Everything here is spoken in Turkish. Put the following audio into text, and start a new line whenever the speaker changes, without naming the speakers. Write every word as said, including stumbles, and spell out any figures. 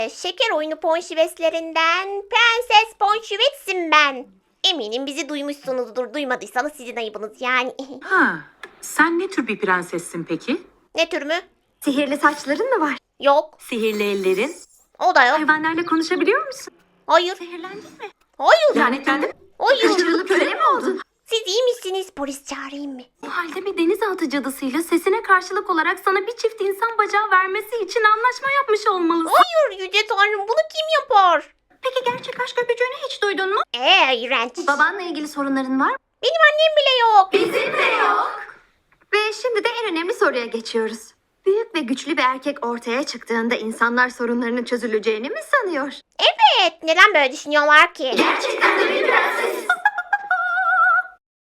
Ee, şeker oyunu ponşiveslerinden Prenses Ponşivets'im ben. Eminim bizi duymuşsunuzdur. Duymadıysanız sizin ayıbınız yani.
Ha, sen ne tür bir prensessin peki?
Ne tür mü?
Sihirli saçların mı var?
Yok.
Sihirli ellerin?
O da yok.
Hayvanlarla konuşabiliyor musun?
Hayır.
Zehirlendin mi?
Hayır.
Lanetlendin mi?
Hayır.
Kaçırılıp köle mi oldun?
Siz iyi misiniz? Polis çağırayım mı?
O halde bir denizaltı cadısıyla sesine karşılık olarak sana bir çift insan bacağı vermesi için anlaşma yapmış olmalısın.
Hayır Yüce Tanrım, bunu kim yapar?
Peki gerçek aşk öpücüğünü hiç duydun mu?
Ee, iğrenç.
Babanla ilgili sorunların var mı?
Benim annem bile yok.
Bizim de yok. Ve şimdi de en önemli soruya geçiyoruz. Büyük ve güçlü bir erkek ortaya çıktığında insanlar sorunlarının çözüleceğini mi sanıyor?
Evet. Neden böyle düşünüyorlar ki?
Gerçekten de bir prens